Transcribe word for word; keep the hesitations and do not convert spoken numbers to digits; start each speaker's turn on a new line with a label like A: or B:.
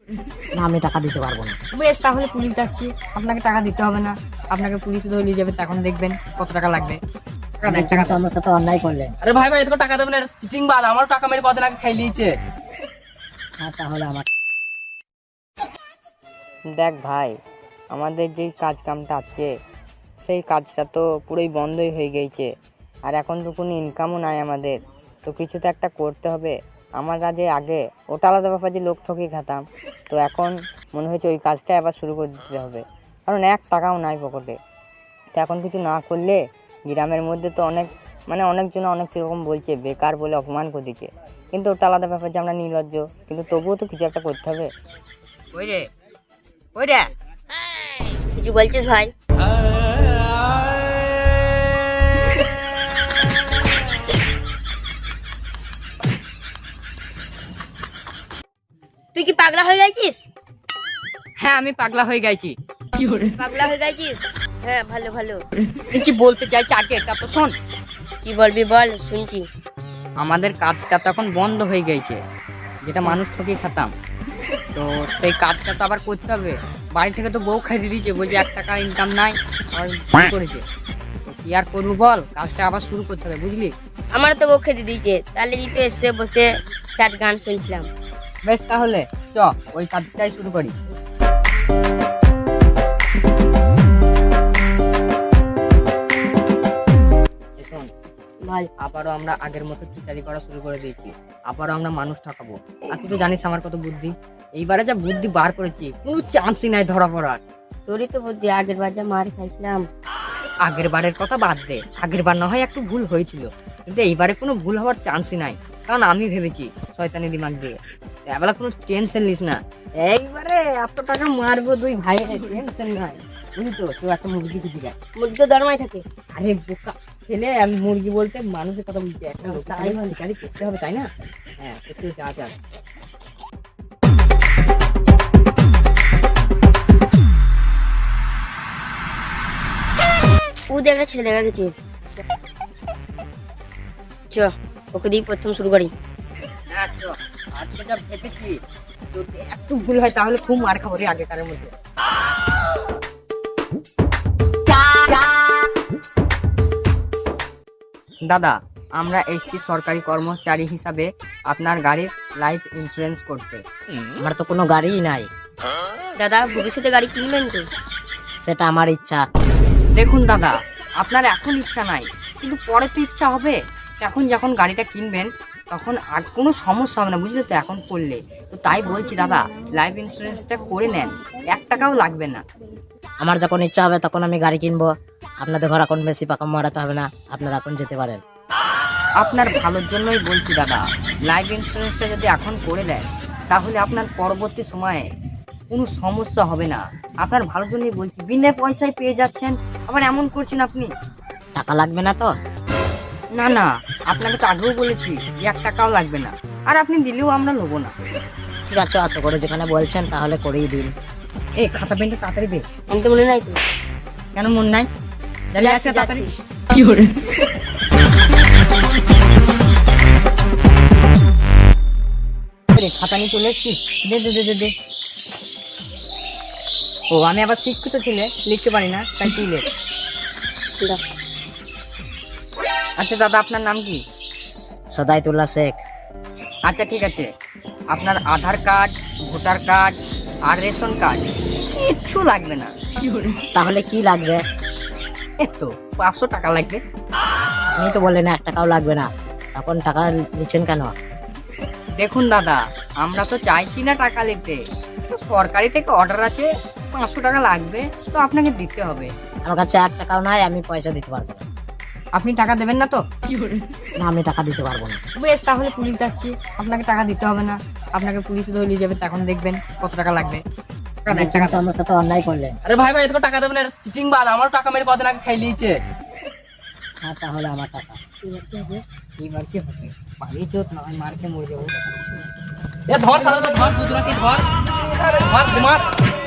A: না, আমি টাকা দিতে পারবো না।
B: বেশ, তাহলে পুলিশ যাচ্ছি, আপনাকে টাকা দিতে হবে না। আপনাকে পুলিশে ধরে নিয়ে যাবে, তখন দেখবেন কত টাকা লাগবে। টাকা দেন, টাকা
A: কিন্তু
B: দেন।
A: আমার সাথে অন্যায় করলেন।
C: আরে ভাই ভাই এতকে টাকা দেবেন না, চিটিং বাদ। আমারও টাকা মেরে কদিন আগে খাই লিয়েছে।
A: হ্যাঁ, তাহলে আমার
B: দেখ ভাই, আমাদের যেই কাজ কামটা আছে সেই কাজটা তো পুরোই বন্ধই হয়ে গেছে। আর এখন তো কোনো ইনকামও নাই আমাদের, তো কিছু তো একটা করতে হবে। আমরা যে আগে ওটা আলাদা ব্যাপার যে লোক ঠকিয়ে খেতাম, তো এখন মনে হয়েছে ওই কাজটাই আবার শুরু করে দিতে হবে, কারণ এক টাকাও নাই পকেটে। তো এখন কিছু না করলে গ্রামের মধ্যে তো অনেক মানে অনেকজন অনেক রকম বলছে, বেকার বলে অপমান করে দিচ্ছে। কিন্তু ওটা আলাদা ব্যাপার যে আমরা নির্লজ্জ, কিন্তু তবুও তো কিছু একটা করতে হবে। ওই রে ওই রে
D: কিছু বলছিস ভাই? তুই কি পাগলা হয়ে গেছিস?
B: হ্যাঁ, আমি পাগলা হয়ে গেছি।
D: পাগলা হয়ে গেছিস? হ্যাঁ, ভালো ভালো।
B: তুই কি বলতে চাইছি আগে এটা তো শোন।
D: কি বলবি বল, শুনছি।
B: আমাদের কাজটা তখন বন্ধ হয়ে গেছে, যেটা মানুষ ঠকিয়ে খেতাম। তো সেই কাজটা তো আবার করতে হবে। বাড়ি থেকে তো বউ খাইয়ে দিয়েছে, বলছে এক টাকা ইনকাম নাই, আবার ভুল করেছে। তো কি আর করবো বল, কাজটা আবার শুরু করতে হবে, বুঝলি?
D: আমার তো বউ খেতে দিয়েছে, তাহলে তো এসে বসে স্যাড গান শুনছিলাম।
B: বেশ, তাহলে চ ওই কাজটাই শুরু করি। শোন,
D: ভাই
B: আবারও আমরা আগের মতো খিচাড়ি করা শুরু করে দিয়েছি। আবারও আমরা মানুষ ঠকাবো। আর তুই তো জানিস আমার কত বুদ্ধি। এইবারে যা বুদ্ধি বার করেছি, কোনো চান্সই নাই ধরা পড়ার।
D: তোরই তো বুদ্ধি, আগের বার যা মার খাইছিলাম।
B: আগের বারের কথা বাদ দে, আগের বার না হয় একটু ভুল হয়েছিল, কিন্তু এইবারে কোনো ভুল হওয়ার চান্সই নাই, কারণ আমি ভেবেছি শয়তানি দিমাগ দিয়ে। এবেলা কোনো টেনশন নিস না, এইবারে এত টাকা মারবো দুই ভাই, টেনশন নাই। বুঝলি তো, কেউ একটা মুরগি খুঁজি গায়।
D: মুরগি তো দরমাই থাকে।
B: আরে বোকা ছেলে, আমি মুরগি বলতে মানুষের কথা বলছি। একটা লোক তাই শিকারি করতে হবে, তাই না? হ্যাঁ, একটু যা যা।
D: ও দেখ, একটা ছেলে দেখা গেছে। চ ওকে দিয়ে প্রথম শুরু করি।
B: হ্যাঁ তো, আজকে যা ভেবেছি, যদি একটু ভুল হয় তাহলে খুব মার খাবো রে আগেকারের মধ্যে। দাদা, আমরা এসছি সরকারি কর্মচারী হিসাবে আপনার গাড়ির লাইফ ইন্স্যুরেন্স করতে।
A: আমার তো কোনো গাড়িই নাই।
D: দাদা, ভবিষ্যতে গাড়ি কিনবেন তো?
A: সেটা আমার ইচ্ছা।
B: দেখুন দাদা, আপনার এখন ইচ্ছা নাই, কিন্তু পরে তো ইচ্ছা হবে। এখন যখন গাড়িটা কিনবেন তখন আর কোনো সমস্যা হবে না, বুঝলে তো, এখন করলে। তো তাই বলছি দাদা, লাইফ ইন্স্যুরেন্সটা করে নেন, এক টাকাও লাগবে না।
A: আমার যখন ইচ্ছা হবে তখন আমি গাড়ি কিনবো। আপনাদের ঘর এখন বেশি পাকা মারাতে হবে না, আপনারা এখন যেতে পারেন।
B: আপনার ভালোর জন্যই বলছি দাদা, লাইফ ইন্স্যুরেন্সটা যদি এখন করে দেন তাহলে আপনার পরবর্তী সময়ে কোনো সমস্যা হবে না। আপনার ভালোর জন্যই বলছি, বিনা পয়সায় পেয়ে যাচ্ছেন, আবার এমন করছেন আপনি।
A: টাকা লাগবে না তো?
B: না না, আপনাকে তো আগেও বলেছি যে এক টাকাও লাগবে না, আর আপনি দিলেও আমরা নেবো না।
A: ঠিক আছে, অত করে যেখানে বলছেন তাহলে করেই দিন।
B: এই খাতা পেনটা তাড়াতাড়ি দে।
D: আমি তো মনে নাই তো।
B: কেন মন নাই? জানি আছে, তাড়াতাড়ি।
D: কি করে?
B: রে, খাতা নিয়ে চলে এসছিস, দে দে দে দে দে। ও, আমি আবার শিক্ষিত ছেলে, লিখতে পারি না, তাই তুই লেখ। আচ্ছা দাদা, আপনার নাম কি?
A: সদাইতুল্লাহ শেখ।
B: আচ্ছা ঠিক আছে, আপনার আধার কার্ড, ভোটার কার্ড আর রেশন কার্ড কিচ্ছু লাগবে না।
A: তাহলে কি লাগবে?
B: তো পাঁচশো টাকা লাগবে।
A: আমি তো বললেন এক টাকাও লাগবে না, এখন টাকা নিচ্ছেন কেন?
B: দেখুন দাদা, আমরা তো চাইছি না টাকা নিতে, সরকারি থেকে অর্ডার আছে, পাঁচশো টাকা লাগবে, তো আপনাকে দিতে হবে।
A: আমার কাছে এক টাকাও নাই, আমি পয়সা দিতে পারবো না।
B: আপনি টাকা দেবেন না তো?
A: না, আমি টাকা দিতে পারবো না।
B: বেশ, তাহলে পুলিশ যাচ্ছি, আপনাকে টাকা দিতে হবে না। আপনাকে পুলিশে ধরে নিয়ে যাবে, তখন দেখবেন কত টাকা লাগবে। টাকা দেন, টাকা
A: কিন্তু
B: দেন।
A: আমার সাথে অন্যায় করলেন।
C: আরে ভাই ভাই এতকে টাকা দেবেন না, চিটিং বাদ। আমারও টাকা মেরে কদিন আগে খাই লিয়েছে।
A: হ্যাঁ, তাহলে আমার টাকা।
B: এইবার কি হবে? পালিয়েছে, না হয় মারছে, মরে যাবো।
C: এ ধর সালা, ধর দুজনকে ধর, ধর মার মার।